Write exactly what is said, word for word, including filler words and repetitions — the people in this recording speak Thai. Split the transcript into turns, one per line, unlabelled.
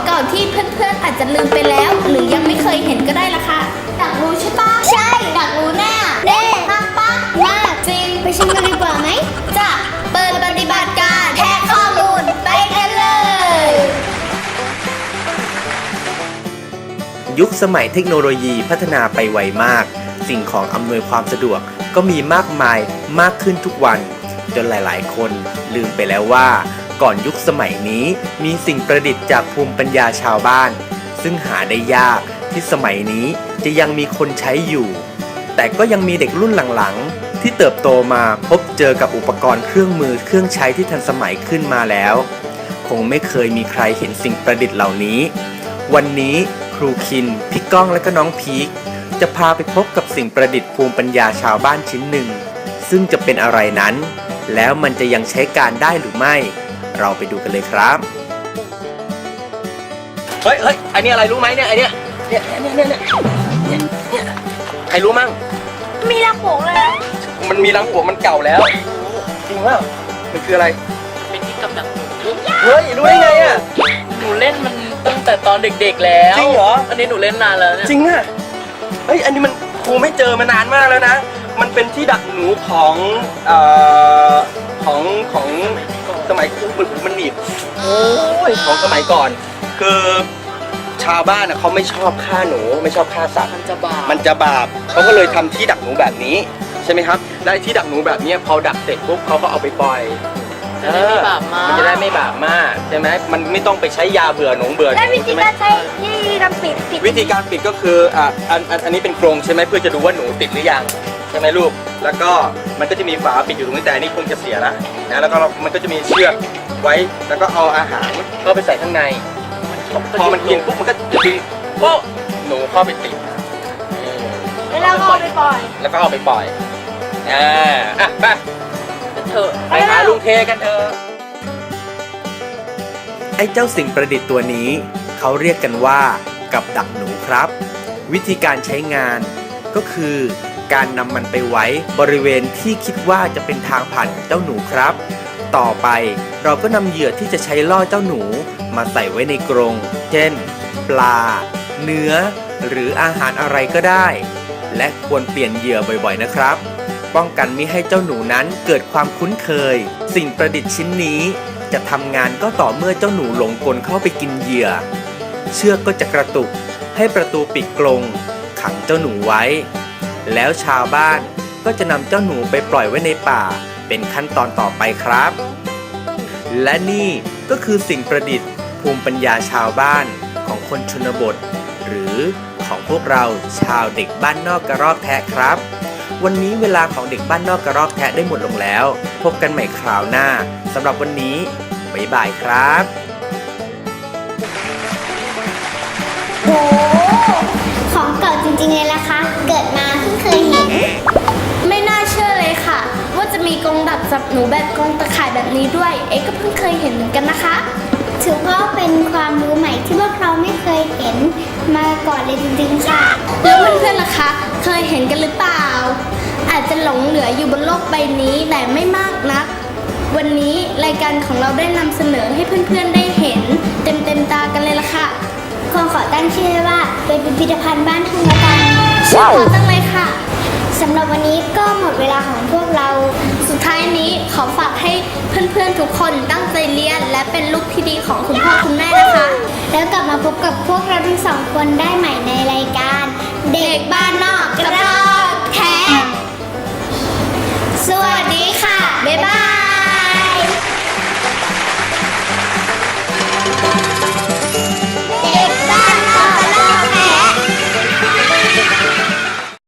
เก่าที่เพื่อนๆอาจจะลืมไปแล้ว หรือยังไม่เคยเห็นก็ได้ละค่ะอยากรู้ใช่ปะใช่อยากรู้แน่แน่มากปะมากจริงไปชิมกันดีกว่าไหมจะเปิดปฏิบัติการแทะข้อมูลไปกันเลย
ยุคสมัยเทคโนโลยีพัฒนาไปไวมากสิ่งของอำนวยความสะดวกก็มีมากมายมากขึ้นทุกวันจนหลายๆคนลืมไปแล้วว่าก่อนยุคสมัยนี้มีสิ่งประดิษฐ์จากภูมิปัญญาชาวบ้านซึ่งหาได้ยากที่สมัยนี้จะยังมีคนใช้อยู่แต่ก็ยังมีเด็กรุ่นหลังๆที่เติบโตมาพบเจอกับอุปกรณ์เครื่องมือเครื่องใช้ที่ทันสมัยขึ้นมาแล้วคงไม่เคยมีใครเห็นสิ่งประดิษฐ์เหล่านี้วันนี้ครูคินพี่ก้องและก็น้องพีคจะพาไปพบกับสิ่งประดิษฐ์ภูมิปัญญาชาวบ้านชิ้นหนึ่งซึ่งจะเป็นอะไรนั้นแล้วมันจะยังใช้การได้หรือไม่เราไปดูกันเลยครับเฮ้ยเฮ้ยอันนี้อะไรรู้ไหมเนี่ยไอเนี้ยเนี่ยเนี่ยเนี่ยเนี่ยเนี่ยใครรู้มั่ง
มีรังโป่งเลย
มันมีรังโป่งมันเก่าแล้วจริงว่ามันคืออะไร
เป็นที่กำจัด
เฮ้ยรู้ได้ไงอ่ะ
หนูเล่นมันตั้งแต่ตอนเด็กๆแล้ว
จริงเหรอ
อันนี้หนูเล่นนานแล้วเนี่ย
จริงอ่ะเฮ้ยอันนี้มันครูไม่เจอมานานมากแล้วนะมันเป็นที่ดักหนูของเอ่อของของสมัยครูมันมันหนีบโอ้ยของสมัยก่อนคือชาวบ้านอ่ะเขาไม่ชอบฆ่าหนูไม่ชอบฆ่าสัตว์
มันจะบาป
มันจะบาปเขาก็เลยทำที่ดักหนูแบบนี้ใช่ไหมครับและที่ดักหนูแบบนี้พอดักเสร็จปุ๊บเขาก็เอาไปปล่อย
จะได้ไม่บาปมาก
มันจะได้ไม่บาปมากใช่ไหมมันไม่ต้องไปใช้ยาเบื่อหนูเบื่อหนู
และวิธีการใช้วิธีการปิดปิด
วิธีการปิดก็คืออ่ะอันอันอันนี้เป็นกรงใช่ไหมเพื่อจะดูว่าหนูติดหรือยังใช่ไหมลูกแล้วก็มันก็จะมีฝาปิดอยู่ตรงนี้แต่อันนี้คงจะเสียแล้วนะแล้วก็มันก็จะมีเชือกไว้แล้วก็เอาอาหารเข้าไปใส่ข้างในพอมันกินปุ๊บมันก็จะดึงโป๊ะหนูเข้าไปติด
แล้วก็เอาไปปล่อย
แล้วก็เอาไปปล่อยอ่าอ่ะไป
เถอะ
ไปหาลุงเทกันเถอะไอ้เจ้าสิ่งประดิษฐ์ตัวนี้เขาเรียกกันว่ากับดักหนูครับวิธีการใช้งานก็คือการนำมันไปไว้บริเวณที่คิดว่าจะเป็นทางผ่านของเจ้าหนูครับต่อไปเราก็นำเหยื่อที่จะใช้ล่อเจ้าหนูมาใส่ไว้ในกรงเช่นปลาเนื้อหรืออาหารอะไรก็ได้และควรเปลี่ยนเหยื่อบ่อยๆนะครับป้องกันมิให้เจ้าหนูนั้นเกิดความคุ้นเคยสิ่งประดิษฐ์ชิ้นนี้จะทำงานก็ต่อเมื่อเจ้าหนูหลงกลเข้าไปกินเหยื่อเชือกก็จะกระตุกให้ประตูปิดกรงขังเจ้าหนูไว้แล้วชาวบ้านก็จะนำเจ้าหนูไปปล่อยไว้ในป่าเป็นขั้นตอนต่อไปครับและนี่ก็คือสิ่งประดิษฐ์ภูมิปัญญาชาวบ้านของคนชนบทหรือของพวกเราชาวเด็กบ้านนอกกระรอกแทะครับวันนี้เวลาของเด็กบ้านนอกกระรอกแทะได้หมดลงแล้วพบกันใหม่คราวหน้าสำหรับวันนี้บ๊ายบายครับ
โอ้ของเก่าจริงๆเลยล่ะคะเกิดมาเพิ่งเคยเห็นไม่น่าเชื่อเลยค่ะว่าจะมีกรงดักจับหนูแบบกรงตะข่ายแบบนี้ด้วยเอ๊ะก็เพิ่งเคยเห็นเหมือนกันนะคะถือว่าเป็นความรู้ใหม่ที่พวกเราไม่เคยเห็นมาก่อนเลยจริงๆค่ะแล้วเพื่อนๆล่ะคะเคยเห็นกันหรือเปล่าอาจจะหลงเหลืออยู่บนโลกใบนี้แต่ไม่มากนักวันนี้รายการของเราได้นำเสนอให้เพื่อนๆได้เห็นเต็มๆตากันเลยล่ะค่ะขอขอตั้งชื่อว่าเป็นพิพิธภัณฑ์บ้านทุ่งละกันชื่อขอตั้งเลยค่ะสำหรับวันนี้ก็หมดเวลาของพวกเราสุดท้ายนี้ขอฝากให้เพื่อนๆทุกคนตั้งใจเรียนและเป็นลูกที่ดีของคุณพ่อคุณแม่นะคะแล้วกลับมาพบกับพวกเราทั้งสองคนได้ใหม่ในรายการเด็กบ้านนอกกระรอก